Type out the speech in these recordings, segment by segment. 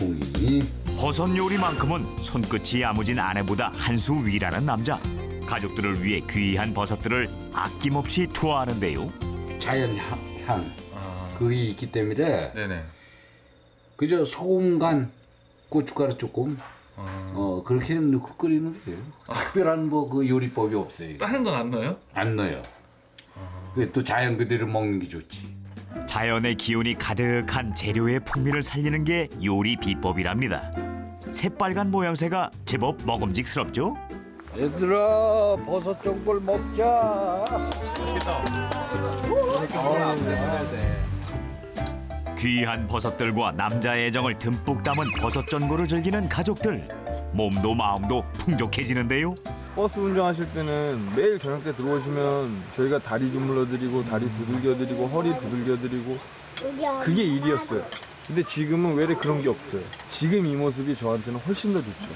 봉이. 버섯 요리만큼은 손끝이 야무진 아내보다 한 수 위라는 남자. 가족들을 위해 귀한 버섯들을 아낌없이 투하하는데요. 자연 향 그게 있기 때문에 네네. 그저 소금 간 고춧가루 조금 그렇게 넣고 끓이는 거예요. 특별한 뭐 그 요리법이 없어요. 다른 건 안 넣어요? 안 넣어요. 또 자연 그대로 먹는 게 좋지. 자연의 기운이 가득한 재료의 풍미를 살리는 게 요리 비법이랍니다. 새빨간 모양새가 제법 먹음직스럽죠? 얘들아 버섯 전골 먹자. 귀한 버섯들과 남자의 애정을 듬뿍 담은 버섯 전골을 즐기는 가족들. 몸도 마음도 풍족해지는데요. 버스 운전하실 때는 매일 저녁 때 들어오시면 저희가 다리 주물러드리고 다리 두들겨드리고 허리 두들겨드리고 그게 일이었어요. 근데 지금은 왜 그런 게 없어요. 지금 이 모습이 저한테는 훨씬 더 좋죠.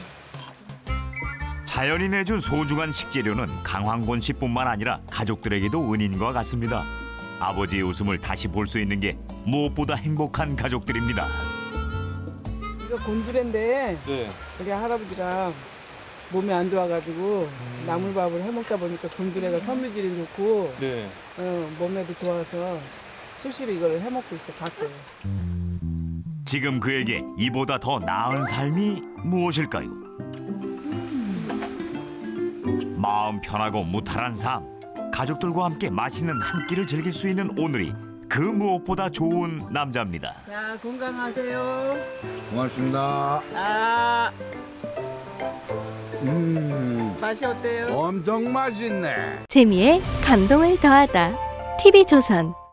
자연이 내준 소중한 식재료는 강황곤 씨뿐만 아니라 가족들에게도 은인과 같습니다. 아버지의 웃음을 다시 볼 수 있는 게 무엇보다 행복한 가족들입니다. 이거 곤드레인데 네. 우리 할아버지가 몸이 안 좋아가지고 나물밥을 해먹다 보니까 곤드레가 섬유질이 좋고 네. 몸에도 좋아서 수시로 이걸 해먹고 있어 가끔. 지금 그에게 이보다 더 나은 삶이 무엇일까요? 마음 편하고 무탈한 삶, 가족들과 함께 맛있는 한 끼를 즐길 수 있는 오늘이 그 무엇보다 좋은 남자입니다. 자, 건강하세요. 고맙습니다. 맛이 어때요? 엄청 맛있네. 재미에 감동을 더하다. TV조선